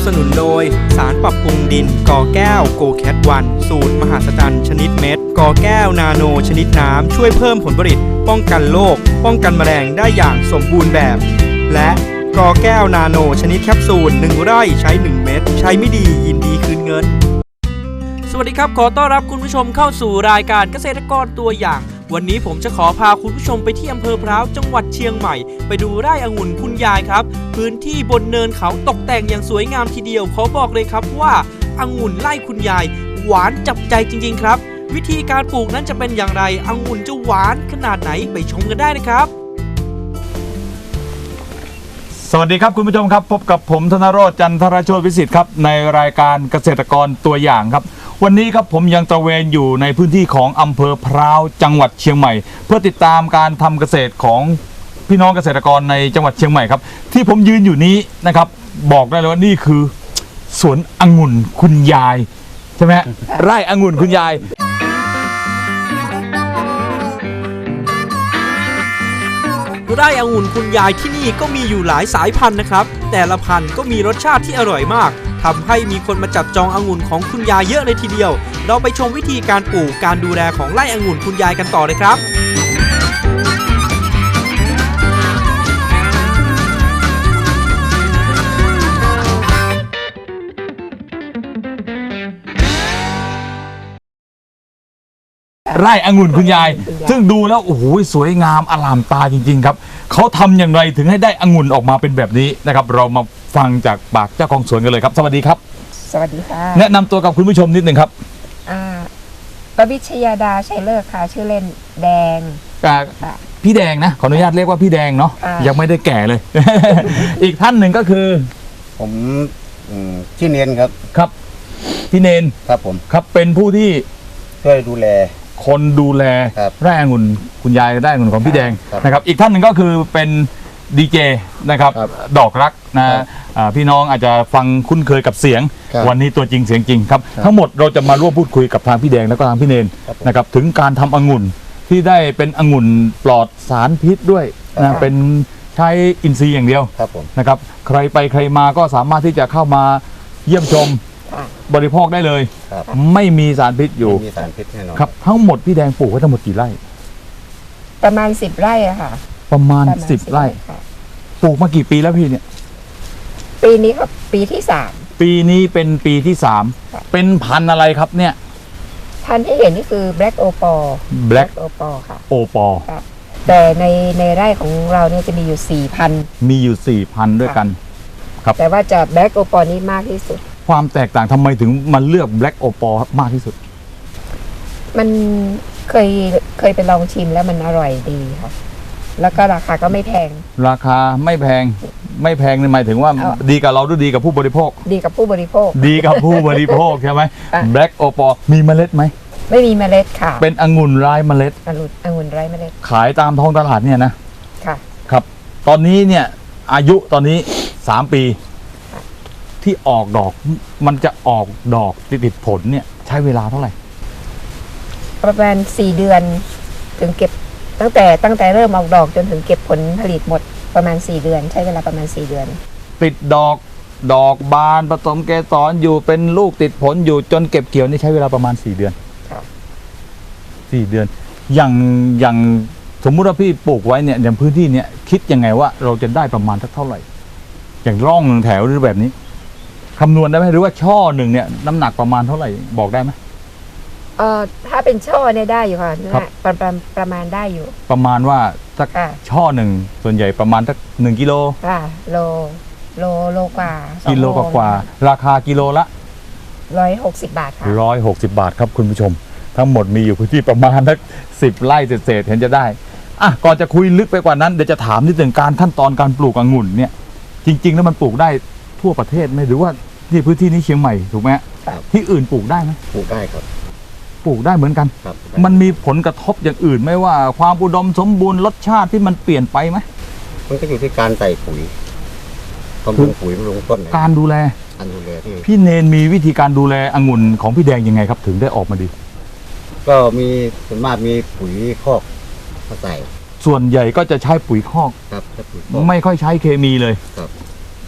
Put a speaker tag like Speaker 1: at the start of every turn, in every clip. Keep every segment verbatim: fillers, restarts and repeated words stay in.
Speaker 1: สนุนโดยสารปรับปรุงดินกอแก้วโกแคทวันสูตรมหาศจรรย์ชนิดเม็ดกอแก้วนาโนชนิดน้ำช่วยเพิ่มผลผลิตป้องกันโรคป้องกันแมลงได้อย่างสมบูรณ์แบบและกอแก้วนาโนชนิดแคปซูลหนึ่งไร่ใช้หนึ่งเม็ดใช้ไม่ดียินดีคืนเงินสวัสดีครับขอต้อนรับคุณผู้ชมเข้าสู่รายการเกษตรกรตัวอย่างวันนี้ผมจะขอพาคุณผู้ชมไปที่อำเภอพร้าวจังหวัดเชียงใหม่ไปดูไร่องุ่นคุณยายครับพื้นที่บนเนินเขาตกแต่งอย่างสวยงามทีเดียวขอบอกเลยครับว่าองุ่นไร่คุณยายหวานจับใจจริงๆครับวิธีการปลูกนั้นจะเป็นอย่างไรองุ่นจะหวานขนาดไหนไปชมกันได้นะครับ
Speaker 2: สวัสดีครับคุณผู้ชมครับพบกับผมธนโรจน์จันทรโชติวิสิทธิ์ครับในรายการเกษตรกรตัวอย่างครับวันนี้ครับผมยังตระเวนอยู่ในพื้นที่ของอำเภอพร้าวจังหวัดเชียงใหม่เพื่อติดตามการทำเกษตรของพี่น้องเกษตรกรในจังหวัดเชียงใหม่ครับที่ผมยืนอยู่นี้นะครับบอกได้เลยว่านี่คือสวนองุ่นคุณยายใช่ไหมไร่องุ่นคุณยาย
Speaker 1: ไร่องุ่นคุณยายที่นี่ก็มีอยู่หลายสายพันธุ์นะครับแต่ละพันธุ์ก็มีรสชาติที่อร่อยมากทำให้มีคนมาจับจององุ่นของคุณยายเยอะเลยทีเดียวเราไปชมวิธีการปลูกการดูแลของไร่องุ่นคุณยายกันต่อเลยครับ
Speaker 2: ไร่องุ่นคุณยายซึ่งดูแล้วโอ้โหสวยงามอลามตาจริงๆครับเขาทำอย่างไรถึงให้ได้องุ่นออกมาเป็นแบบนี้นะครับเรามาฟังจากปากเจ้าของสวนกันเลยครับสวัสดีครับ
Speaker 3: สวัสดีค่ะ
Speaker 2: แนะนำตัวกับคุณผู้ชมนิดหนึ่งครับ
Speaker 3: อ่าปวิชยาดาชัยเลิศค่ะชื่อเล่นแดง
Speaker 2: พี่แดงนะขออนุญาตเรียกว่าพี่แดงเนาะยังไม่ได้แก่เลย อีกท่านหนึ่งก็คือ
Speaker 4: ผมชื่อเนนครับ
Speaker 2: ครับพี่เนน
Speaker 4: ครับผม
Speaker 2: ครับเป็นผู้ที่
Speaker 4: ช่วยดูแล
Speaker 2: คนดูแลไร่องุ่นคุณยายไร่องุ่นของพี่แดงนะครับอีกท่านหนึ่งก็คือเป็นดีเจนะครับดอกรักนะพี่น้องอาจจะฟังคุ้นเคยกับเสียงวันนี้ตัวจริงเสียงจริงครับทั้งหมดเราจะมาร่วมพูดคุยกับทางพี่แดงแล้วก็ทางพี่เนนนะครับถึงการทำองุ่นที่ได้เป็นองุ่นปลอดสารพิษด้วยนะเป็นใช้อินทรีย์อย่างเดียวนะครับใครไปใครมาก็สามารถที่จะเข้ามาเยี่ยมชมบริโภคได้เลยไม่มีสารพิษอยู่
Speaker 4: มีสารพิษแน่นอน
Speaker 2: ครับทั้งหมดพี่แดงปลูกไว้ทั้งหมดกี่ไร่
Speaker 3: ประมาณสิบไร่อะค่ะ
Speaker 2: ประมาณสิบไร่ปลูกมากี่ปีแล้วพี่เนี่ย
Speaker 3: ปีนี้ครับปีที่สาม
Speaker 2: ปีนี้เป็นปีที่สามเป็นพันธุ์อะไรครับเนี่ย
Speaker 3: พันธุ์ที่เห็นนี่คือ Black Opal
Speaker 2: Black
Speaker 3: Opal ค่ะ
Speaker 2: Opal
Speaker 3: แต่ในในไร่ของเราเนี่ยจะมีอยู่สี่พัน
Speaker 2: มีอยู่สี่พันด้วยกัน
Speaker 3: ครับแต่ว่าจะ Black Opal นี่มากที่สุด
Speaker 2: ความแตกต่างทำไมถึงมาเลือก Black Opal มากที่สุด
Speaker 3: มันเคยเคยไปลองชิมแล้วมันอร่อยดีค่ะแล้วก็ราคาก็ไม่แพง
Speaker 2: ราคาไม่แพงไม่แพงในหมายถึงว่าดีกับเราหรือดีกับผู้บริโภค
Speaker 3: ดีกับผู้บริโภค
Speaker 2: ดีกับผู้บริโภคใช่ไหม Black Opal มีเมล็ดไหม
Speaker 3: ไม่มีเมล็ดค่ะ
Speaker 2: เป็นองุ่นไร้เมล็ด
Speaker 3: องุ่นองุ่นไร้เมล็ด
Speaker 2: ขายตามท้องตลาดเนี่ยนะ
Speaker 3: ค่ะ
Speaker 2: ครับตอนนี้เนี่ยอายุตอนนี้สามปีที่ออกดอกมันจะออกดอกติดผลเนี่ยใช้เวลาเท่าไหร่
Speaker 3: ประมาณสี่เดือนถึงเก็บตั้งแต่ตั้งแต่เริ่มออกดอกจนถึงเก็บผลผลิตหมดประมาณสี่เดือนใช้เวลาประมาณสี่เดือน
Speaker 2: ติดดอกดอกบานผสมเกสรอยู่เป็นลูกติดผลอยู่จนเก็บเกี่ยวนี่ใช้เวลาประมาณสี่เดือนสี่เดือนอย่างอย่างสมมุติว่าพี่ปลูกไว้เนี่ยอย่างพื้นที่เนี่ยคิดยังไงว่าเราจะได้ประมาณเท่าไหร่อย่างร่องหนึ่งแถวหรือแบบนี้คำนวณได้ไหมหรือว่าช่อหนึ่งเนี่ยน้ำหนักประมาณเท่าไหร่บอกได้ไหม
Speaker 3: เอ่อถ้าเป็นช่อเนี่ยได้อยู่ค่ะประมาณประมาณได้อยู่
Speaker 2: ประมาณว่าสักช่อหนึ่งส่วนใหญ่ประมาณสักหนึ่งกิโล
Speaker 3: ค่ะโลโลโลกว่า
Speaker 2: กิโลกว่าราคากิโลละ
Speaker 3: ร้อยหกสิบบาทค่ะ
Speaker 2: ร้อยหกสิบบาทครับคุณผู้ชมทั้งหมดมีอยู่พื้นที่ประมาณสักสิบไร่เศษๆเห็นจะได้อ่ะก่อนจะคุยลึกไปกว่านั้นเดี๋ยวจะถามนิดหนึ่งการขั้นตอนการปลูกองุ่นเนี่ยจริงๆแล้วมันปลูกได้ทั่วประเทศไหมหรือว่าที่พื้นที่นี้เชียงใหม่ถูกไหมที่อื่นปลูกได้ไหม
Speaker 4: ปลูกได้ครับ
Speaker 2: ปลูกได้เหมือนกันมันมีผลกระทบอย่างอื่นไหมว่าความอุดมสมบูรณ์รสชาติที่มันเปลี่ยนไปไหม
Speaker 4: มันก็อยู่ที่การใส่ปุ๋ยบำรุงปุ๋ยบำรุงต้น
Speaker 2: การดูแล
Speaker 4: การดูแลที่
Speaker 2: พี่เนนมีวิธีการดูแลองุ่นของพี่แดงยังไงครับถึงได้ออกมาดี
Speaker 4: ก็มีส่วนมากมีปุ๋ยคอกมาใส่
Speaker 2: ส่วนใหญ่ก็จะใช้ปุ๋ยคอก
Speaker 4: ครับ
Speaker 2: ไม่ค่อยใช้เคมีเลย
Speaker 4: ครับ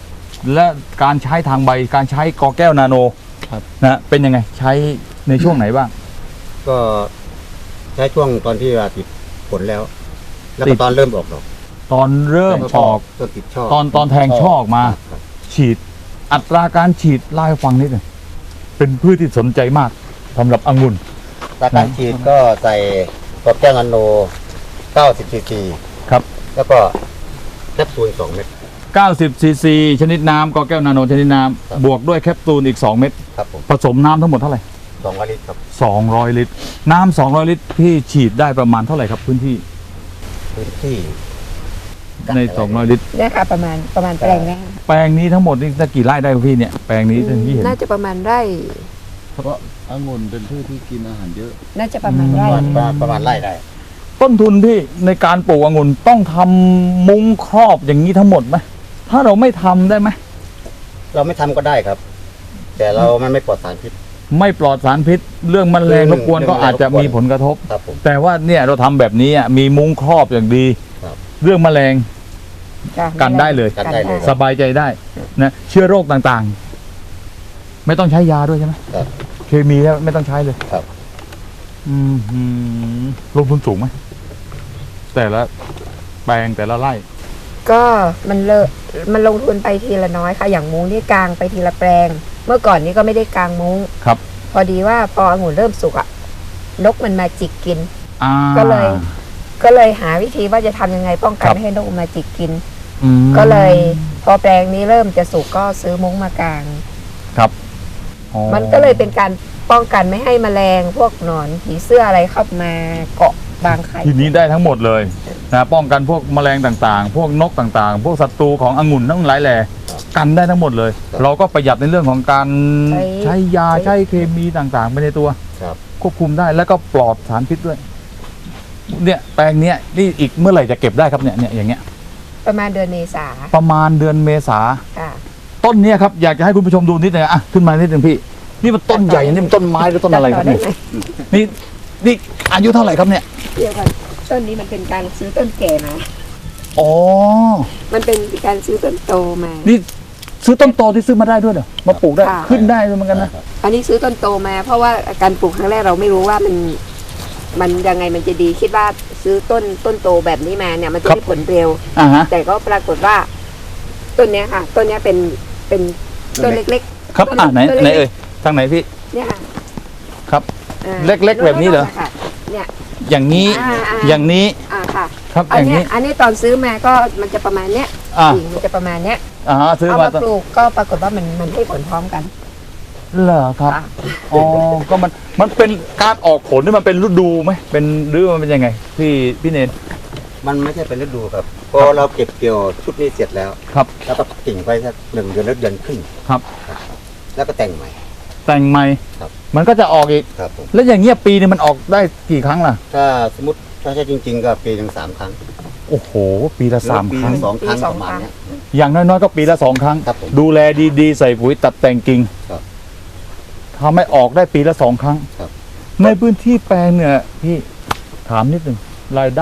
Speaker 2: และการใช้ทางใบการใช้กอแก้วนาโน
Speaker 4: ครับ
Speaker 2: นะเป็นยังไงใช้ในช่วงไหนบ้าง
Speaker 4: ก็ใช้ช่วงตอนที่ว่าติดผลแล้ว แล้ว
Speaker 2: ติ
Speaker 4: ก็
Speaker 2: ด
Speaker 4: ตอนเริ่มออกดอก
Speaker 2: ตอนเริ่มออก
Speaker 4: ต้นติดช่อ
Speaker 2: ตอนตอนแทงช่อออกมา
Speaker 4: ครับ
Speaker 2: ฉีดอัตราการฉีดเล่าให้ฟังนิดหนึ่งเป็นพืชที่สนใจมากสำหรับองุ่น
Speaker 4: ตาการฉีดก็ใส่กอแก้วนาโนเก้าสิบซีซี
Speaker 2: ครับ
Speaker 4: แล้วก็แคปซูลสองเม็ด
Speaker 2: เก้าสิบซีซีชนิดน้ำกอแก้วนาโนชนิดน้
Speaker 4: ครับ
Speaker 2: ำบวกด้วยแคปซูลอีกสองเม็ด
Speaker 4: ครับผม
Speaker 2: ผสมน้ำทั้งหมดเท่าไหร่
Speaker 4: สองร้อยลิตรครับ
Speaker 2: สองร้อยลิตร น้ำสองร้อยลิตรพี่ฉีดได้ประมาณเท่าไหร่ครับพื้นที่
Speaker 4: พื้นที่
Speaker 2: ในสองร้อยลิตร
Speaker 3: เนี่ยค่ะประมาณประมาณแปลงเนี้ย
Speaker 2: แปลงนี้ทั้งหมดนี่จะกี่ไร่ได้ครับพี่เนี่ยแปลงนี้ที่เห็น
Speaker 3: น่าจะประมาณไร่
Speaker 5: เพราะองุ่นเป็นพืชที่กินอาหารเยอะ
Speaker 3: น่าจะประมาณไร่
Speaker 4: ประมาณประมาณไร่ได้
Speaker 2: ต้นทุนพี่ในการปลูกองุ่นต้องทำมุ้งครอบอย่างนี้ทั้งหมดไหมถ้าเราไม่ทำได้ไหม
Speaker 4: เราไม่ทำก็ได้ครับ แต่เรามันไม่ปลอดสารพิษ
Speaker 2: ไม่ปลอดสารพิษ เรื่องแมลง
Speaker 4: เรื่
Speaker 2: ร
Speaker 4: อง
Speaker 2: บกวนก็
Speaker 4: เรื่อง
Speaker 2: อาจจะ
Speaker 4: รบกวน
Speaker 2: มีผลกระทบ
Speaker 4: ครับผม
Speaker 2: แต่ว่าเนี่ยเราทำแบบนี้อ่ะมีมุ้งครอบอย่างดี
Speaker 4: ครับ
Speaker 2: เรื่องแมลง
Speaker 3: ค่ะ
Speaker 2: กันได้เลย
Speaker 4: กันได้เลย
Speaker 2: สบายใจได้นะเชื้อโรคต่างๆ ไม่ต้องใช้ยาด้วยใช่ไหม
Speaker 4: ครับ
Speaker 2: เคมีแล้วไม่ต้องใช้เลย
Speaker 4: ครับ
Speaker 2: อืมหือลงทุนสูงไหมแต่ละแปลงแต่ละไร่
Speaker 3: ก็มันเลอะมันลงทุนไปทีละน้อยค่ะอย่างมุ้งนี่กางไปทีละแปลง เมื่อก่อนนี้ก็ไม่ได้กางมุ้ง
Speaker 2: ครับ
Speaker 3: พอดีว่าพอองุ่นเริ่มสุกอะนกมันมาจิกกิน
Speaker 2: อ่า
Speaker 3: ก็เลย ก็เลยหาวิธีว่าจะทำยังไงป้องกั
Speaker 2: ครั
Speaker 3: น
Speaker 2: บ
Speaker 3: ไม่ให้นกมาจิกกิน
Speaker 2: อืม
Speaker 3: ก็เลย พอแปลงนี้เริ่มจะสุกก็ซื้อมุ้งมากาง
Speaker 2: ครับอ๋อ
Speaker 3: มันก็เลยเป็นการป้องกันไม่ให้แมลงพวกหนอนผีเสื้ออะไรเข้ามาเกาะบางไข่
Speaker 2: ทีนี้ได้ทั้งหมดเลยนะป้องกันพวกแมลงต่างๆ พวกนกต่างๆ พวกศัตรูขององุ่นทั้งหลายแหล่กันได้ทั้งหมดเลย เราก็ประหยัดในเรื่องของการใช้ยาใช้เคมีต่างๆไปในตัว
Speaker 4: ครับ
Speaker 2: ควบคุมได้แล้วก็ปลอดสารพิษด้วย เนี่ยแปลงเนี้ยนี่อีกเมื่อไหร่จะเก็บได้ครับเนี่ยเนี่ยอย่างเงี้ย
Speaker 3: ประมาณเดือนเมษา
Speaker 2: ประมาณเดือนเมษา
Speaker 3: ค่ะ
Speaker 2: ต้นเนี้ยครับอยากจะให้คุณผู้ชมดูนิดหนึงอ่ะขึ้นมานิดหนึงพี่นี่มันต้นใหญ่นี่มันต้นไม้หรือต้นอะไรครับเนี่ยนี่นี่อายุเท่าไหร่ครับเนี่ย
Speaker 3: เดี๋ยวก่อนต้นนี้มันเป็นการซื้อต้นแก่มา
Speaker 2: อ๋อ
Speaker 3: มันเป็นการซื้อต้นโตมา
Speaker 2: นี่ซื้อต้นโตที่ซื้อมาได้ด้วยเหรอมาปลูกได้
Speaker 3: ค่ะ
Speaker 2: ขึ้นได้ด้วยเหมือนกันนะ
Speaker 3: อันนี้ซื้อต้นโตมา เพราะว่าการปลูกครั้งแรกเราไม่รู้ว่ามัน มันยังไงมันจะดีคิดว่าซื้อต้นต้นโตแบบนี้มาเนี่ยมันจะได้ผลเร็ว
Speaker 2: อ่าฮะ
Speaker 3: แต่ก็ปรากฏว่า ต้นเนี้ยค่ะ ต้นเนี้ยเป็นเป็นต้นเล็ก
Speaker 2: ครับอ่าไหนไหนเอ่ยทางไหนพี่
Speaker 3: ๆ เนี่ยค่ะ
Speaker 2: ครับ
Speaker 3: อ่า
Speaker 2: เล็กๆแบบนี้เหรอ
Speaker 3: ค่ะเนี่ย
Speaker 2: อย่างนี้
Speaker 3: อ่าอ่า
Speaker 2: อย่างนี้
Speaker 3: อ่าค่ะ
Speaker 2: ครับ
Speaker 3: อั
Speaker 2: อน ย่าง
Speaker 3: เนี้
Speaker 2: นี้
Speaker 3: ยอันนี้ตอนซื้อมาก็มันจะประมาณเนี้ย
Speaker 2: อ่า
Speaker 3: กิ่งมันจะประมาณเนี้ย
Speaker 2: อ่าซื้อ
Speaker 3: เอา
Speaker 2: มา
Speaker 3: มา
Speaker 2: ต้น
Speaker 3: ปลูกก็ปรากฏว่ามันมันให้ผลพร้อมกัน
Speaker 2: เหรอครับ
Speaker 3: ค่ะ
Speaker 2: อ๋อก็มันมันเป็นการออกผลนี่มันเป็นฤดูไหมเป็นหรือมันเป็นยังไงพี่พี่เนน
Speaker 4: มันไม่ใช่เป็นฤดูครับพอเราเก็บเกี่ยวชุดนี้เสร็จแล้ว
Speaker 2: ครับ
Speaker 4: แล้วก็กิ่งไปสักหนึ่งเดือนแล้วเดือนครึ่ง
Speaker 2: ครับ
Speaker 4: แล้วก็แต่งใหม่
Speaker 2: แต่งใหม่
Speaker 4: ครับ
Speaker 2: มันก็จะออกอีก
Speaker 4: ครับผม
Speaker 2: แล้วอย่างเงี้ยปีนึงมันออกได้กี่ครั้งล่ะ
Speaker 4: ถ้าสมมติถ้าใช่จริง ๆ ก็ปีหนึ่งสามครั้ง
Speaker 2: โอ้โห ปีละสาม
Speaker 4: หรือปี
Speaker 2: ครั้ง
Speaker 4: หนึ่งสองครั้ง
Speaker 3: ปีส
Speaker 4: ป
Speaker 3: อง
Speaker 4: ระมาณ
Speaker 3: ครั้ง
Speaker 4: เนี้ย
Speaker 2: อย่างน้อยๆก็ปีละสองครั้ง
Speaker 4: ครับผม
Speaker 2: ดูแลดีๆ ใส่ปุ๋ยตัดแต่งกิ่ง
Speaker 4: ครับ
Speaker 2: ทำให้ออกได้ปีละสองครั้ง
Speaker 4: ครับ
Speaker 2: ในพื้นที่แปลงเนี่ยพี่ถามนิดหนึ่งรายได้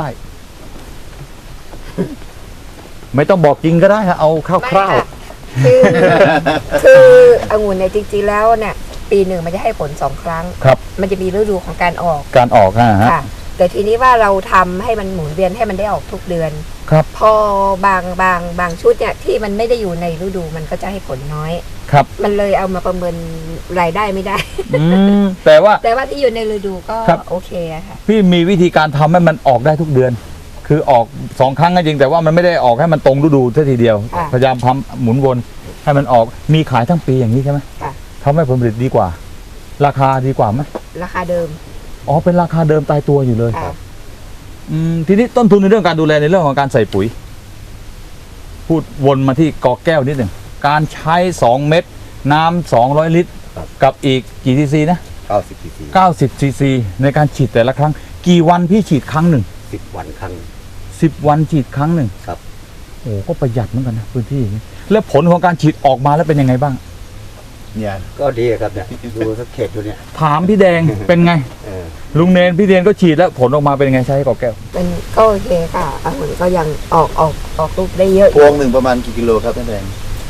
Speaker 2: ไม่ต้องบอกจริงก็ได้ฮะเอาคร่าว
Speaker 3: ไม่ค่ะคือคือองุ่นเนี่ยจริงๆแล้วเนี่ยปีหนึ่งมันจะให้ผลสองครั้ง
Speaker 2: ๆ ครับ
Speaker 3: มันจะมีฤดูของการออก
Speaker 2: การออกฮะฮะ
Speaker 3: ค่ะ แต่ทีนี้ว่าเราทำให้มันหมุนเวียนให้มันได้ออกทุกเดือน
Speaker 2: ครับ
Speaker 3: พอบางบางบางชุดเนี่ยที่มันไม่ได้อยู่ในฤดูมันก็จะให้ผลน้อย
Speaker 2: ครับ
Speaker 3: มันเลยเอามาประเมินรายได้ไม่ได้
Speaker 2: อืมแต่ว่า
Speaker 3: แต่ว่าที่อยู่ในฤดูก็
Speaker 2: ครับ
Speaker 3: โอเคอะค่ะ
Speaker 2: พี่มีวิธีการทำให้มันออกได้ทุกเดือน คือออกสองครั้งก็จริงแต่ว่ามันไม่ได้ออกให้มันตรงฤดูเท่าทีเดียว
Speaker 3: ค่ะ
Speaker 2: พยายามทำหมุนวนให้มันออกมีขายทั้งปีอย่างนี้ใช่ไหม
Speaker 3: ค่ะ
Speaker 2: ทำให้ผลผลิตดีกว่า ราคาดีกว่าไหม
Speaker 3: ราคาเดิม
Speaker 2: อ๋อเป็นราคาเดิมตายตัวอยู่เลย
Speaker 3: ค่ะ
Speaker 2: อืมทีนี้ต้นทุนในเรื่องการดูแลในเรื่องของการใส่ปุ๋ย พูดวนมาที่กอแก้วนิดหนึ่งการใช้สองเม็ดน้ำสองร้อยลิตร
Speaker 4: ครับ
Speaker 2: กับอีกกี่ซีซีนะ
Speaker 4: เก้าสิบซีซี
Speaker 2: เก้าสิบซีซีในการฉีดแต่ละครั้ง กี่วันพี่ฉีดครั้งหนึ่ง
Speaker 4: สิบวันครั้ง
Speaker 2: สิบวันฉีดครั้งหนึ่ง
Speaker 4: ครับ
Speaker 2: โอ้ก็ประหยัดเหมือนกันนะพื้นที่อย่างนี้แล้วผลของการฉีดออกมาแล้วเป็นยังไงบ้าง
Speaker 5: เนี่ย
Speaker 4: ก็ดีครับเนี่ยดูสักเขตดูเนี่ย
Speaker 2: ถามพี่แดง เป็นไง
Speaker 4: เออ
Speaker 2: ลุงเนนพี่เนนก็ฉีดแล้วผลออกมาเป็นยังไงใช้กอแก้ว
Speaker 3: มันก็โอเคค่ะองุ่นก็ยังออกออกออกลูกได้เยอะอ
Speaker 5: พว
Speaker 3: ยู่
Speaker 5: งหนึ่งประมาณกี่กิโลครับท่านแดง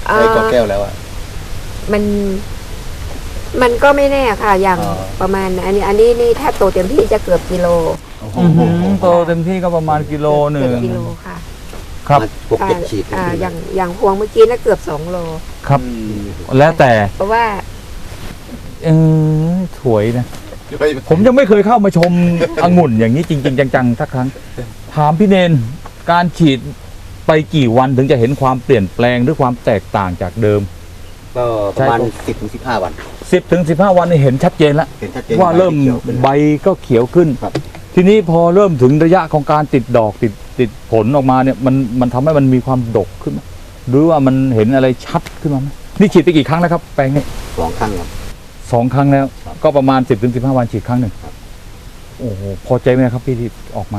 Speaker 3: เอ่
Speaker 4: ใช้
Speaker 3: อ
Speaker 4: กอแก้วแล้วอ่ะ
Speaker 3: มันมันก็ไม่แน่ค่ะ อย่าง
Speaker 4: อ๋อ
Speaker 3: ประมาณอันนี้อันนี้นี่ถ้าโตเต็มที่จะเกือบกิโล
Speaker 2: อื้อหือโตเต็มที่ก็ประมาณกิโลหนึ่
Speaker 3: เกื
Speaker 2: ง
Speaker 3: อบกิโลค่ะ
Speaker 2: ครับ
Speaker 4: พวกเก็บฉีด
Speaker 3: อ่าอย่างอย่างพวงเมื่อกี้น่ะเกือบสองโล
Speaker 2: ครับ แล้วแต่
Speaker 3: เพราะว่า
Speaker 2: เออถวยนะ ผมยังไม่เคยเข้ามาชม องุ่นอย่างนี้จริง ๆ จังๆสักครั้ง ถามพี่เนนการฉีดไปกี่วันถึงจะเห็นความเปลี่ยนแปลงหรือความแตกต่างจากเดิม
Speaker 4: ก็ประมาณ
Speaker 2: ใช่
Speaker 4: สิบถึงสิบห้าวัน
Speaker 2: สิบถึงสิบห้าวันนี่เห็นชัดเจนแล้ว
Speaker 4: เห็นชัดเจน
Speaker 2: ว่าเริ่ม
Speaker 4: ขียวขึ้น
Speaker 2: ใบก็เขียวขึ้น
Speaker 4: ครับ
Speaker 2: ทีนี้พอเริ่มถึงระยะของการติดดอกติดติดผลออกมาเนี่ยมันมันทำให้มันมีความดกขึ้นไหมหรือว่ามันเห็นอะไรชัดขึ้นมาไหมนี่ฉีดไปกี่ครั้งแล้วครับแปลงนี้
Speaker 4: สองครั้งครับ
Speaker 2: สองครั้งแล้ว
Speaker 4: ครับ
Speaker 2: ก็ประมาณสิบถึงสิบห้าวันฉีดครั้งหนึ่ง
Speaker 4: ครับ
Speaker 2: โอ้โหพอใจไหมครับพี่ที่ออกมา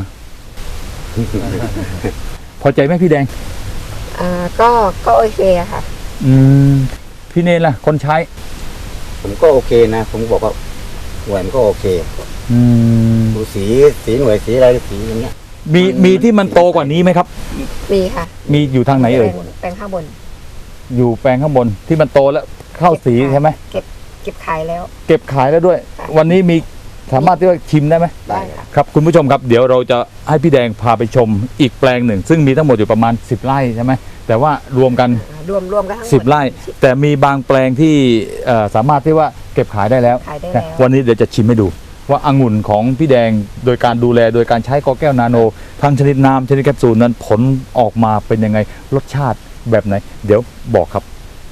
Speaker 2: พอใจไหมพี่แดง
Speaker 3: อ่าก็ก็โอเคอะค่ะ
Speaker 2: อืมพี่เนนล่ะคนใช้
Speaker 4: ผมก็โอเคนะ ผมบอกว่าหน่วยมันก็โอเค
Speaker 2: อืม
Speaker 4: ดูสีสีหน่วยสีอะไรสีอย่างเงี้ย
Speaker 2: มีมีที่มันโตกว่านี้ไหมครับ
Speaker 3: มีค่ะ
Speaker 2: มีอยู่ทางไหนเอ่ย
Speaker 3: แปลงแปลงข้างบน
Speaker 2: อยู่แปลงข้างบนที่มันโตแล้วเข้าสีใช่ไหม
Speaker 3: เก็บเก็บขายแล้ว
Speaker 2: เก็บขายแล้วด้วย
Speaker 3: ค่ะ
Speaker 2: วันนี้มีสามารถที่ว่าชิมได้ไหม
Speaker 4: ได้
Speaker 3: ค่ะ
Speaker 2: ครับคุณผู้ชมครับเดี๋ยวเราจะให้พี่แดงพาไปชมอีกแปลงหนึ่ง ซึ่งมีทั้งหมดอยู่ประมาณสิบไร่ใช่ไหมแต่ว่ารวมกัน
Speaker 3: อ่ารวมรวมกันทั้งหมด
Speaker 2: สิบไร่ แต่มีบางแปลงที่เอ่อสามารถที่ว่าเก็บขายได้แล้ว
Speaker 3: ขายได้แล้ว
Speaker 2: วันนี้เดี๋ยวจะชิมให้ดู ว่าองุ่นของพี่แดงโดยการดูแลโดยการใช้กอแก้วนาโนทั้งชนิดน้ำชนิดแคปซูลนั้นผลออกมาเป็นยังไงรสชาติแบบไหน เดี๋ยวบอกครับ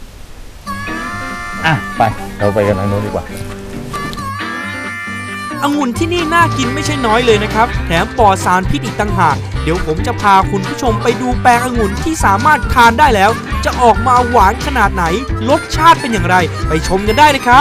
Speaker 2: อ่ะไปเราไปกันทางโน้นดีกว่า
Speaker 1: องุ่นที่นี่น่ากินไม่ใช่น้อยเลยนะครับ แถมปลอดสารพิษอีกต่างหาก เดี๋ยวผมจะพาคุณผู้ชมไปดูแปลงองุ่นที่สามารถทานได้แล้ว จะออกมาหวานขนาดไหน รสชาติเป็นอย่างไร ไปชมกันได้เลยครับ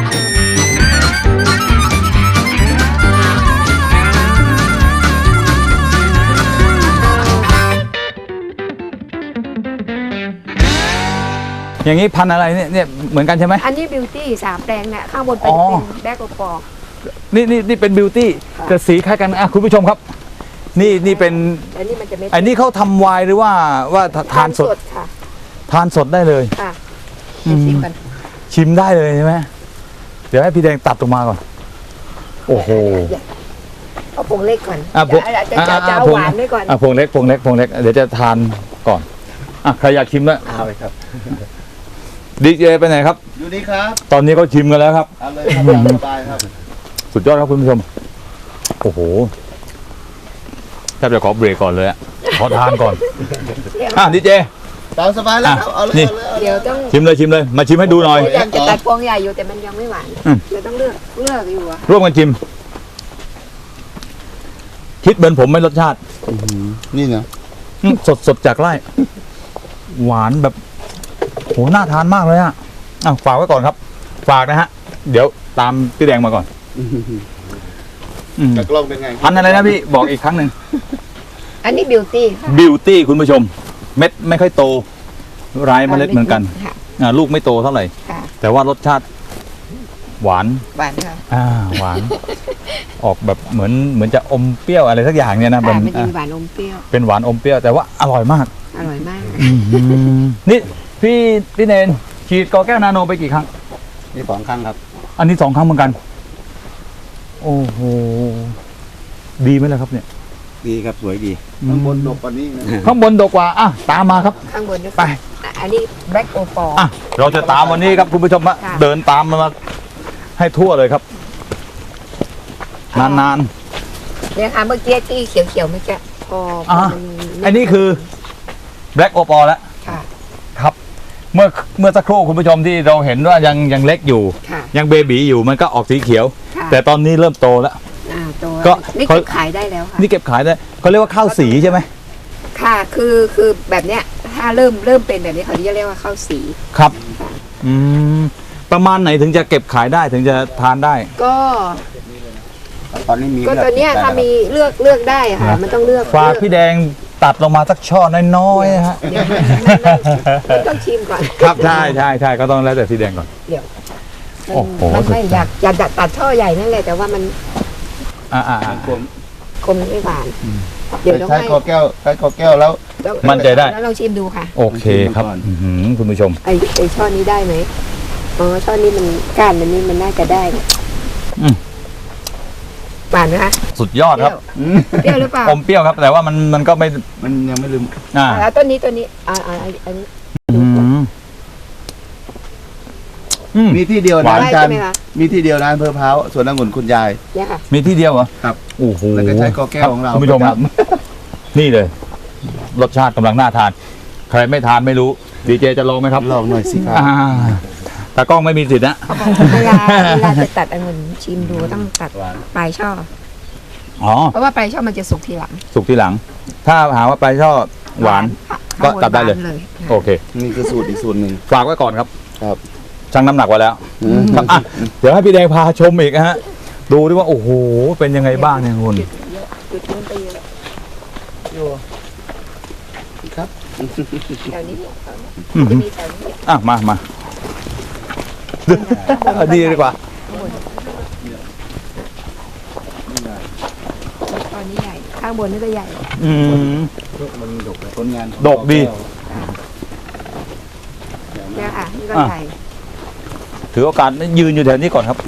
Speaker 2: อย่างนี้พันธุ์อะไรเนี่ยเนี่ยเหมือนกันใช่ไหม
Speaker 3: อันนี้บิวตี้สามแปลงเนี่ยข้างบนเป็น
Speaker 2: อ๋อ
Speaker 3: เป็นแบล็กโอปอ
Speaker 2: นี่นี่นี่เป็นบิวตี้
Speaker 3: ค่ะ
Speaker 2: แต่สีคล้ายกันอ่ะคุณผู้ชมครับ นี่นี่เป็น
Speaker 3: อันนี้มันจะไม่
Speaker 2: อันนี้เขาทำไวน์หรือว่าว่าทานสด
Speaker 3: ค่ะ
Speaker 2: ทานสดได้เลย
Speaker 3: ค่ะ
Speaker 2: อืม
Speaker 3: ชิมกัน
Speaker 2: ชิมได้เลยใช่ไหมเดี๋ยวให้พี่แดงตัดออกมาก่อน โอ้โห
Speaker 3: เอาผงเล็กก่อน
Speaker 2: อ่ะผง
Speaker 3: จะจะจะจะเอาหวานไว้ก่อน
Speaker 2: อ่ะพวงเล็กพวงเล็กพวงเล็กเดี๋ยวจะทานก่อนอ่ะใครอยากชิมละ
Speaker 4: เอาเลยครับ
Speaker 2: ดีเจไปไหนครับ
Speaker 5: อยู่นี่ครับ
Speaker 2: ตอนนี้ก็ชิมกันแล้วครับ
Speaker 5: เอาเลยครับตามสบายครับ
Speaker 2: สุดยอดครับคุณผู้ชม โอ้โหแทบจะขอเบรกก่อนเลยอะขอทานก่อน อ่ะดีเจ
Speaker 5: ตามสบายแล้วครับ
Speaker 2: อ่ะ
Speaker 5: เอาเลย
Speaker 2: นี่
Speaker 5: เอาเลยเอาเลย
Speaker 3: เดี๋ยวต้อง
Speaker 2: ชิมเลยชิมเลย มาชิมให้ดูหน่อย
Speaker 3: พยายามจะตัดพวงใหญ่อยู่แต่มันยังไม่หวาน
Speaker 2: อืม
Speaker 3: เดี๋ยวต้องเลือกเลือกอยู่อะ
Speaker 2: ร่วมกันชิม คิดเหมือนผมไหม่รสชาติ
Speaker 5: นี่นะ
Speaker 2: อืมสดสดจากไร่ หวานแบบโหน่าทานมากเลยอ่ะอ่ะฝากไว้ก่อนครับ ฝากนะฮะ เดี๋ยวตามพี่แดงมาก่อนอืม
Speaker 5: จากกล้องเป็นไง
Speaker 2: พันธุ์อะไรนะพี่บอกอีกครั้งหนึ่ง
Speaker 3: อันนี้บิวตี้ค่ะ
Speaker 2: บิวตี้คุณผู้ชม เม็ดไม่ค่อยโตไร้เมล็ดเหมือนกัน
Speaker 3: ค่ะ
Speaker 2: อ่าลูกไม่โตเท่าไหร่
Speaker 3: ค่ะ
Speaker 2: แต่ว่ารสชาติ หวาน
Speaker 3: หวานค่ะ
Speaker 2: อ่าหวาน ออกแบบเหมือนเหมือนจะอมเปรี้ยวอะไรสักอย่างเนี่ยนะ
Speaker 3: ค่ะ
Speaker 2: มัน
Speaker 3: มันจะ
Speaker 2: อ่ะ
Speaker 3: มีหวานอมเปรี้ยว
Speaker 2: เป็นหวานอมเปรี้ยวแต่ว่าอร่อยมาก
Speaker 3: อร่อยมาก
Speaker 2: นี่พี่พี่เนนฉีดกอแก้วนาโนไปกี่ครั้ง
Speaker 4: นี่สองครั้งครับ
Speaker 2: อันนี้สองครั้งเหมือนกัน โอ้โห ดีไหมล่ะครับเนี่ย
Speaker 4: ดีครับสวยดี
Speaker 5: ข้างบนดกกว่านี้นะ
Speaker 2: ข้างบนดกกว่า อ่ะ ตามมาครับ
Speaker 3: ข้างบนนี่
Speaker 2: ไป
Speaker 3: อ่ะอันนี้แบล็กโอปอ
Speaker 2: อ่ะ เราจะตามวันนี้ครับคุณผู้ชมฮะ
Speaker 3: ค่ะ
Speaker 2: เดินตามมาให้ทั่วเลยครับ นาน
Speaker 3: เนี่ยค่ะเมื่อกี้ที่เขียวๆเมื่อกี้พอพอ
Speaker 2: อ่ะ
Speaker 3: มัน
Speaker 2: ๆ อันนี้คือ Black o p a l แล้ว
Speaker 3: ค่ะ
Speaker 2: ครับ เมื่อเมื่อสักครู่คุณผู้ชมที่เราเห็นว่ายังยังเล็กอยู่
Speaker 3: ค่ะ
Speaker 2: ยังเบบีอยู่มันก็ออกสีเขียว
Speaker 3: ค่ะ
Speaker 2: แต่ตอนนี้เริ่มโตแล้ว
Speaker 3: อ่าตัว
Speaker 2: ก็
Speaker 3: นี่
Speaker 2: เขา
Speaker 3: เก็บขายได้แล้วค่ะ
Speaker 2: นี่เก็บขายได้เขาเรียกว่าข้าวสีใช่ไหม
Speaker 3: ค่ะคือคือแบบเนี้ยถ้าเริ่มเริ่มเป็นแบบนี้เขาจะเรียกว่าข้าวสี
Speaker 2: ครับ อืม ประมาณไหนถึงจะเก็บขายได้ถึงจะทานได้
Speaker 3: ก็
Speaker 4: ตอนนี้มี
Speaker 3: ก็
Speaker 4: เลือ
Speaker 3: ตัวเนี้ย
Speaker 4: ได้
Speaker 3: ถ้า
Speaker 4: แล้ว
Speaker 3: มีเลือกเลือกได้อะค่ะ
Speaker 2: นะ
Speaker 3: มันต้องเลือก
Speaker 2: ฝาก
Speaker 3: เลือ
Speaker 2: พี่แดงตัดลงมาสักช่อน้อยๆนะฮะ
Speaker 3: เดี๋ยวมันมันมันมันต้องชิมก่อน
Speaker 2: ครับใช่ใช่ใช่ก็ต้องแล้วแต่พี่แดงก่อน
Speaker 3: เดี๋ยว
Speaker 2: โอ้โห
Speaker 3: มันไม่อยากอยากตัดตัดช่อใหญ่นั่นแหละแต่ว่ามัน
Speaker 2: อ่าอ่าอ่า
Speaker 3: คมไม่หวาน เดี๋ยวต้อง
Speaker 5: ใช้
Speaker 3: ให้
Speaker 5: คอแก้วใช้คอแก้วแล้ว
Speaker 3: ตัวแล้ว
Speaker 2: มั่นใจได้
Speaker 3: แล้วลองชิมดูค่ะ
Speaker 2: โอเคครับอื้อหือคุณผู้ชม
Speaker 3: ไอไอช่อนี้ได้ไหมอ๋อช่อนี้มันก้านมันนี่มันน่าจะได้
Speaker 2: อืม
Speaker 3: หวานไหมคะ
Speaker 2: สุดยอดครับ
Speaker 3: เปรี้ยวหรือเปล่า
Speaker 2: อมเปรี้ยวครับ แต่ว่ามันมันก็ไม่
Speaker 5: มันยังไม่ลืม
Speaker 2: อ่า
Speaker 3: อ่าแล้วต้นนี้ต้นนี้อ่าอ่าอันอันนี้
Speaker 2: อืมอืม
Speaker 5: มีที่เดียว
Speaker 2: หวา
Speaker 5: นะ
Speaker 2: น
Speaker 5: อาจารย์
Speaker 3: ใช่ไหมคะ
Speaker 5: มีที่เดียวนะอำเภอพร้าวสวนองุ่นคุณยาย
Speaker 3: เนี่ยค่ะ
Speaker 2: มีที่เดียวเหรอ
Speaker 5: ครับ
Speaker 2: โอ้โห
Speaker 5: แล้วก็ใช้กอแก้วของเรา
Speaker 2: คุณผู้ชม
Speaker 5: ป
Speaker 2: ค
Speaker 5: ระ
Speaker 2: รับ
Speaker 5: จ
Speaker 2: นี่เลย รสชาติกำลังน่าทาน ใครไม่ทานไม่รู้ ดีเจจะลองไหมครับ
Speaker 5: ำลองหน่อยสิครับ
Speaker 2: อ่าตากล้องไม่มีสิทธิ์นะ
Speaker 3: เวลาเวลาจะตัดองุ่นชิมดูต้องตัดปลายช่อ
Speaker 2: อ๋อ
Speaker 3: เพราะว่าปลายช่อมันจะสุกทีหลัง
Speaker 2: สุกทีหลัง ถ้าหาว่าปลาช่อหวาน ก็ตัดได้เลย
Speaker 3: หวานเลย
Speaker 2: โอเค
Speaker 5: นี่คือสูตรอีกสูตรหนึ่ง
Speaker 2: ฝากไว้ก่อนครับ
Speaker 5: ครับ
Speaker 2: ชั่งน้ำหนักไว้แล้วครับอ่ะเดี๋ยวให้พี่แดงพาชมอีกนะฮะ ดูดิว่าโอ้โห เป็นยังไงบ้างเนี่ยคุณ
Speaker 3: จุดนู้นไปเยอะ
Speaker 5: ครับ
Speaker 3: แถวนี้เนี่ย
Speaker 2: อื้อหื
Speaker 3: จะ
Speaker 2: อ
Speaker 3: มีแถวนี้
Speaker 2: อ่ะมามาดีดีกว่า
Speaker 3: ตอนนี้ใหญ่ ข้างบนนี่ก็ใหญ่
Speaker 2: อืม
Speaker 5: มันดกผลงาน
Speaker 2: ดกดี
Speaker 3: เนี่ยค่ะนี่ก็
Speaker 2: อ่ะ
Speaker 3: ใหญ่
Speaker 2: ถือโอกาสยืนอยู่แถวนี้ก่อนครับ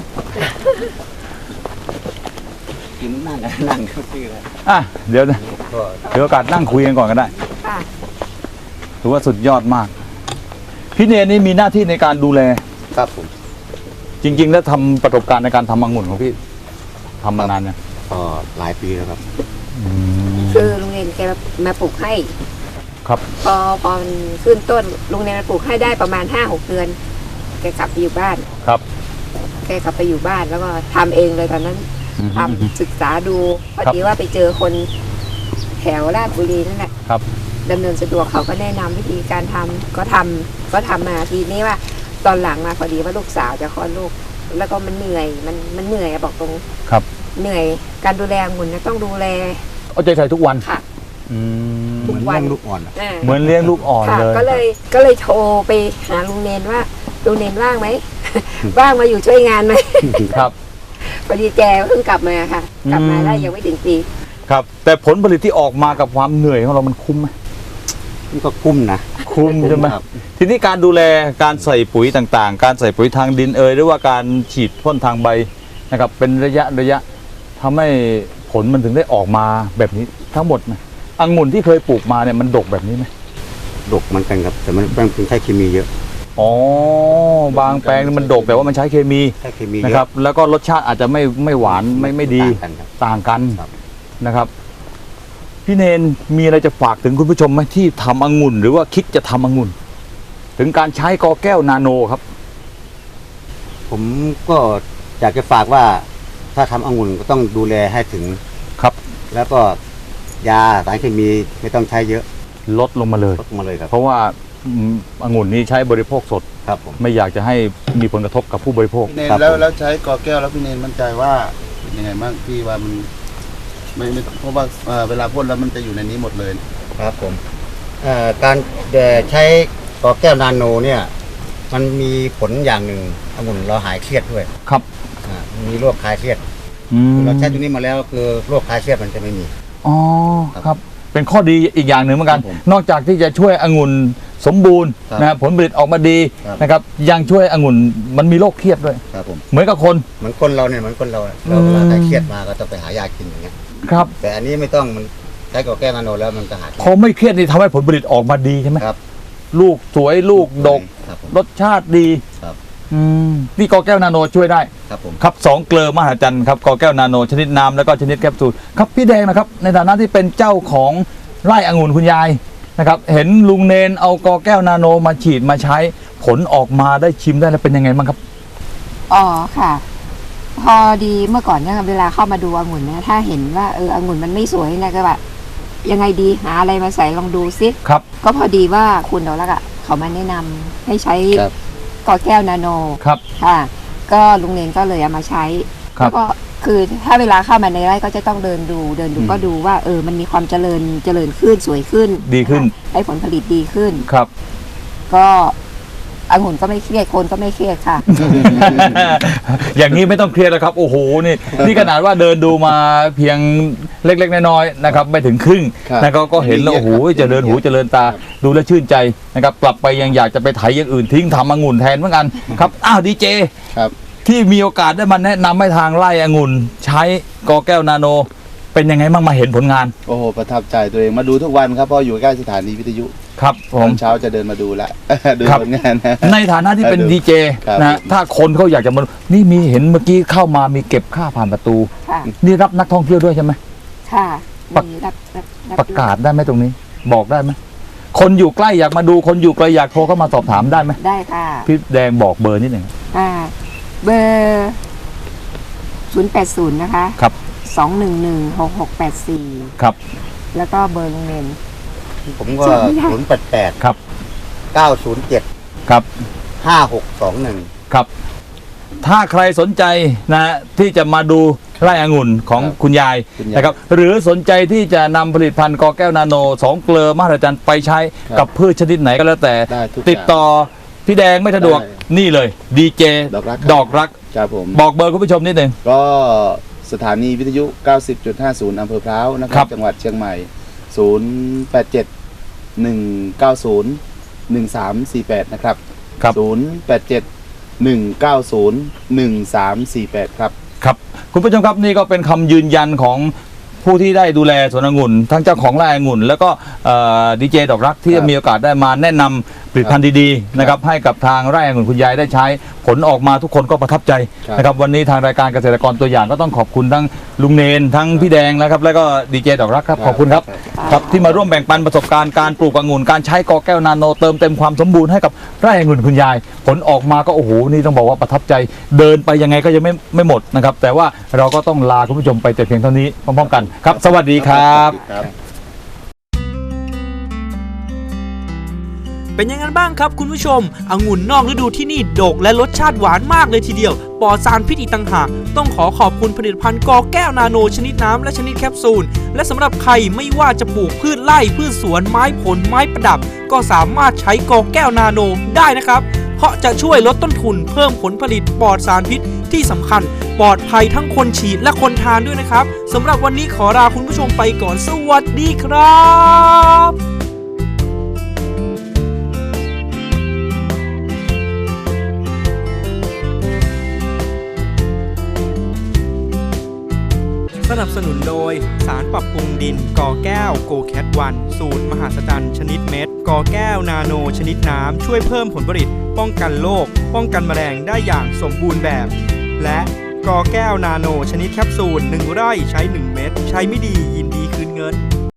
Speaker 4: กินนั่งนั่งก็คืออะไร
Speaker 2: อ่ะเดี๋ยวนะถือโอกาสนั่งคุยกันก่อนก็ได้
Speaker 3: ค่ะ
Speaker 2: ถือว่าสุดยอดมาก พี่เนรนี่มีหน้าที่ในการดูแล
Speaker 4: ครับผม
Speaker 2: จริง ๆ แล้วทำประสบการณ์ในการทำองุ่นของพี่ทำมานานเนี่ยง
Speaker 4: ก็หลายปีแล้วครับ
Speaker 3: คือลุงเนนแกมาปลูกให้
Speaker 2: ครับ
Speaker 3: พอพอมันขึ้นต้นลุงเนนมาปลูกให้ได้ประมาณห้าหกเดือน แกกลับไปอยู่บ้าน
Speaker 2: ครับ
Speaker 3: แกกลับไปอยู่บ้านแล้วก็ทำเองเลยตอนนั้นทำศึกษาดูพอดีว่าไปเจอคนแถวราชบุรีนั่นแหละ
Speaker 2: ครับ
Speaker 3: ดำเนินสะดวกเขาก็แนะนำวิธีการทำก็ทำก็ทำมาทีนี้ว่า ตอนหลังมาพอดีว่าลูกสาวจะคลอดลูก แล้วก็มันเหนื่อยมันมันเหนื่อยอะบอกตรง
Speaker 2: ครับ
Speaker 3: เหนื่อยการดูแลองุ่นนะต้องดูแล
Speaker 2: เอาใจใส่ทุกวัน
Speaker 3: ค่ะ
Speaker 2: อืม
Speaker 3: ทุ
Speaker 4: เห
Speaker 3: ก
Speaker 4: มือน
Speaker 3: วัน
Speaker 4: เลี้ยงลูกอ่อนอะ
Speaker 3: อ่า
Speaker 2: เหมือนเลี้ยงลูกอ่อน
Speaker 3: ค่ะ
Speaker 2: เลย
Speaker 3: ก็เลยก็เลยโทรไปหาลุงเนนว่าลุงเนนว่างไหม ว่างมาอยู่ช่วยงานไหม
Speaker 2: ครับ
Speaker 3: พอดีแกเพิ่งกลับมาค่ะ กลับมา
Speaker 2: อืม
Speaker 3: ได้ยังไม่ถึงปี
Speaker 2: ครับ แต่ผลผลิตที่ออกมากับความเหนื่อยของเรามันคุ้มไหม
Speaker 4: มันก็คุ้มนะ
Speaker 2: คุ้มใช่ไหม
Speaker 4: ครับ
Speaker 2: ทีนี้การดูแลการใส่ปุ๋ยต่างๆ การใส่ปุ๋ยทางดินเอยหรือว่าการฉีดพ่นทางใบนะครับ เป็นระยะระยะทำให้ผลมันถึงได้ออกมาแบบนี้ทั้งหมดไหมองุ่นที่เคยปลูกมาเนี่ยมันดกแบบนี้ไหม
Speaker 4: ดกเหมันกันครับ แต่มันเป็นใช้เคมีเยอะ
Speaker 2: อ๋อบางแปลงมันดกแต่ว่ามันใช้เคมี
Speaker 4: ใช้เคมีเย
Speaker 2: นะ
Speaker 4: อะ
Speaker 2: ครับ แล้วก็รสชาติอาจจะไม่ไม่หวานไม่ไม่ดี
Speaker 4: ต่างกันครับ
Speaker 2: ต่างกัน
Speaker 4: ครับ
Speaker 2: นะครับ พี่เนนมีอะไรจะฝากถึงคุณผู้ชมไหมที่ทำองุ่นหรือว่าคิดจะทำองุ่น ถึงการใช้กอแก้วนาโนครับ
Speaker 4: ผมก็อยากจะฝากว่าถ้าทำองุ่นก็ต้องดูแลให้ถึง
Speaker 2: ครับ
Speaker 4: แล้วก็ยาสารเคมีไม่ต้องใช้เยอะ
Speaker 2: ลดลงมาเลย
Speaker 4: ลดมาเลยครับ
Speaker 2: เพราะว่าอืมองุ่นนี้ใช้บริโภคสด
Speaker 4: ครับผม
Speaker 2: ไม่อยากจะให้มีผลกระทบกับผู้บริโภค
Speaker 5: พี่เนน
Speaker 4: ครับ
Speaker 5: แล้ว
Speaker 4: ผม
Speaker 5: แล้วใช้กอแก้วแล้วพี่เนนมั่นใจว่าเป็นยังไงบ้างพี่ว่ามันไม่ไม่เพราะว่าเอ่อเวลาพ่นแล้วมันจะอยู่ในนี้หมดเลย
Speaker 4: ครับผมเอ่อการเอ่อใช้กอแก้วนาโนเนี่ย มันมีผลอย่างหนึ่งองุ่นเราหายเครียดด้วย
Speaker 2: ครับ
Speaker 4: อ่ามีโรคคลายเครียด
Speaker 2: อืม
Speaker 4: เราใช้ตัวนี้มาแล้วคือโรคคลายเครียดมันจะไม่มี
Speaker 2: อ๋อครับ เป็นข้อดีอีกอย่างหนึ่งเหมือนกัน
Speaker 4: ครับผม
Speaker 2: นอกจากที่จะช่วยองุ่นสมบูรณ์
Speaker 4: ครับ
Speaker 2: นะครับผลผลิตออกมาดี
Speaker 4: ครับ
Speaker 2: นะครับ ยังช่วยองุ่นมันมีโรคเครียดด้วย
Speaker 4: ครับผม
Speaker 2: เหมือนกับคน
Speaker 4: เหมือนคนเราเนี่ยเหมือนคนเราอะเรา
Speaker 2: อืม
Speaker 4: เวลาใครเครียดมาก็ต้องไปหายากินอย่างเงี้ย
Speaker 2: ครับ
Speaker 4: แต่อันนี้ไม่ต้องมันใช้กอแก้วนาโนแล้วมันก็หาย
Speaker 2: พอไม่เครียดนี่ทำให้ผลผลิตออกมาดีใช่ไหม
Speaker 4: ครับ
Speaker 2: ลูกสวยลูกดก
Speaker 4: ครับผม
Speaker 2: รสชาติดี
Speaker 4: ครับ
Speaker 2: อืมนี่กอแก้วนาโนช่วยได้
Speaker 4: ครับผม
Speaker 2: ครับสองเกลือมหัศจรรย์ครับกอแก้วนาโนชนิดน้ำแล้วก็ชนิดแคปซูลครับพี่แดงนะครับ ในฐานะที่เป็นเจ้าของไร่องุ่นคุณยายนะครับ เห็นลุงเนนเอากอแก้วนาโนมาฉีดมาใช้ผลออกมาได้ชิมได้แล้วเป็นยังไงบ้างครับ
Speaker 3: อ๋อค่ะ พอดีเมื่อก่อนเนี่ยเวลาเข้ามาดูองุ่นนะถ้าเห็นว่าเออองุ่นมันไม่สวยนะก็แบบยังไงดีหาอะไรมาใส่ลองดูซิ
Speaker 2: ครับ
Speaker 3: ก็พอดีว่าคุณดอกลักษ์อะเขามาแนะนำให้ใช้
Speaker 4: ครับ
Speaker 3: กอแก้วนาโน
Speaker 2: ครับ
Speaker 3: ค่ะ ก็ลุงเนนก็เลยเอามาใช้
Speaker 2: ครับ
Speaker 3: แล้วก็คือถ้าเวลาเข้ามาในไร่ก็จะต้องเดินดู เดินดูก็ดูว่าเออมันมีความเจริญเจริญขึ้นสวยขึ้น
Speaker 2: ดีขึ้น
Speaker 3: นะคะได้ผลผลิตดีขึ้น
Speaker 2: ครับ
Speaker 3: ก็องุ่นก็ไม่เครียดคนก็ไม่เครียดค่ะ
Speaker 2: อย่างนี้ไม่ต้องเครียดแล้วครับโอ้โหนี่นี่ขนาดว่าเดินดูมาเพียงเล็กๆน้อยๆนะครับไม่ถึงครึ่ง
Speaker 5: ครับ
Speaker 2: นะครับก็เห็นแล้วโอ้โหเจริญหูเจริญตาดูแลวชื่นใจนะครับกลับไปยังอยากจะไปไถอย่างอื่นทิ้งทำองุ่นแทนเหมือนกันครับอ้าวดีเจ
Speaker 5: ครับ
Speaker 2: ที่มีโอกาสได้มาแนะนำให้ทางไร่องุ่นใช้กอแก้วนาโน เป็นยังไงบ้างมาเห็นผลงาน
Speaker 5: โอ้โหประทับใจตัวเองมาดูทุกวันครับเพราะอยู่ใกล้สถานีวิทยุ
Speaker 2: ครับผ
Speaker 5: ตอ
Speaker 2: ม
Speaker 5: นเช้าจะเดินมาดูละ ดู
Speaker 2: ครับ
Speaker 5: ผลงานนะ
Speaker 2: ในฐานะที่เป็น
Speaker 5: ครับ
Speaker 2: ดีเจ
Speaker 5: ครับ
Speaker 2: นะถ้าคนเขาอยากจะมานี่มีเห็นเมื่อกี้เข้ามามีเก็บค่าผ่านประตู
Speaker 3: ค่ะ
Speaker 2: นี่รับนักท่องเที่ยวด้วยใช่ไหม
Speaker 3: ค่ะ
Speaker 2: ประ
Speaker 3: มีรับรับรับ
Speaker 2: ประกาศได้ไหมตรงนี้ บอกได้ไหมคนอยู่ใกล้อยากมาดูคนอยู่ไกลอยากโทรเข้ามาสอบถามได้ไหม
Speaker 3: ได้ค่ะ
Speaker 2: พี่แดงบอกเบอร์นิดหนึ่ง
Speaker 3: อ่าเบอร์ศูนย์แปดศูนย์นะคะ
Speaker 2: ครับ
Speaker 3: สองหนึ่งหนึ่งหกหกแปดสี่
Speaker 2: ครับ
Speaker 3: แล้วก็เบอร์โรงเรียน
Speaker 4: ผมก็
Speaker 3: จำไม่ได้
Speaker 4: ศูนย์แปดแปด
Speaker 2: ครับ
Speaker 4: เก้าศูนย์เจ็ด
Speaker 2: ครับ
Speaker 4: ห้าหกสองหนึ่ง
Speaker 2: ครับ ถ้าใครสนใจนะที่จะมาดูไร่องุ่นของ
Speaker 5: ครับ
Speaker 2: คุณยาย
Speaker 5: คุณยาย
Speaker 2: นะครับหรือสนใจที่จะนำผลิตภัณฑ์กอแก้วนาโนสองเกลือมหัศจรรย์ไปใช้
Speaker 5: ครับ
Speaker 2: กับพืชชนิดไหนก็แล้วแต่
Speaker 5: ได้ทุก
Speaker 2: ติดต่อพี่แดงไม่สะดวก
Speaker 5: ได้
Speaker 2: นี่เลยดีเจ
Speaker 5: ดอกรัก
Speaker 2: ดอกรัก
Speaker 5: ครับผม
Speaker 2: บอกเบอร์คุณผู้ชมนิดหนึ่ง
Speaker 5: ก็สถานีวิทยุ เก้าสิบจุดห้าศูนย์ อำเภอพร้าวนะค
Speaker 2: ครั
Speaker 5: รับ บ จังหวัดเชียงใหม่ ศูนย์ แปด เจ็ด หนึ่ง เก้า ศูนย์ หนึ่ง สาม สี่ แปด นะครับ
Speaker 2: ครับ
Speaker 5: ศูนย์ แปด เจ็ด หนึ่ง เก้า ศูนย์ หนึ่ง สาม สี่ แปด ครับ
Speaker 2: ครับคุณผู้ชมครับนี่ก็เป็นคำยืนยันของผู้ที่ได้ดูแลสวนองุ่นทั้งเจ้าของไร่องุ่น แล้วก็ดีเจดอกรักที่
Speaker 5: ครับ
Speaker 2: มีโอกาสได้มาแนะนำผลิตภัณฑ์ดีๆนะครับให้กับทางไร่องุ่นคุณยายได้ใช้ผลออกมาทุกคนก็ประทับใจ
Speaker 5: ครับ
Speaker 2: นะครับวันนี้ทางรายการเกษตรกรตัวอย่างก็ต้องขอบคุณทั้งลุงเนนทั้งพี่แดงนะครับแล้วก็ดีเจดอกรักครับขอบคุณครับ ครับที่มาร่วมแบ่งปันประสบการณ์การปลูกองุ่นการใช้กอแก้วนาโนเติมเต็มความสมบูรณ์ให้กับไร่องุ่นคุณยาย ผลออกมาก็โอ้โหนี่ต้องบอกว่าประทับใจเดินไปยังไงก็ยังไม่ไม่หมดนะครับแต่ว่าเราก็ต้องลาคุณผู้ชมไปแต่เพียงเท่านี้พร้อมๆกันครับ สวัสดีครับ
Speaker 5: ครับ
Speaker 1: เป็นยังไงบ้างครับคุณผู้ชมองุ่นนอกฤดูที่นี่ดกและรสชาติหวานมากเลยทีเดียวปลอดสารพิษอีกต่างหากต้องขอขอบคุณผลิตภัณฑ์กอแก้วนาโนชนิดน้ำและชนิดแคปซูลและสำหรับใครไม่ว่าจะปลูกพืชไร่พืชสวนไม้ผลไม้ประดับ ก็สามารถใช้กอแก้วนาโนได้นะครับเพราะจะช่วยลดต้นทุนเพิ่มผลผลิตปลอดสารพิษที่สำคัญปลอดภัยทั้งคนฉีดและคนทานด้วยนะครับสำหรับวันนี้ขอลาคุณผู้ชมไปก่อนสวัสดีครับสนับสนุนโดยสารปรับปรุงดินกอแก้วโกแคทวันสูตรมหาสจรรย์ชนิดเม็ดกอแก้วนาโนชนิดน้ำช่วยเพิ่มผลผลิตป้องกันโรคป้องกันแมลงได้อย่างสมบูรณ์แบบและกอแก้วนาโนชนิดแคปซูลหนึ่งไร่ใช้หนึ่งเม็ดใช้ไม่ดียินดีคืนเงิน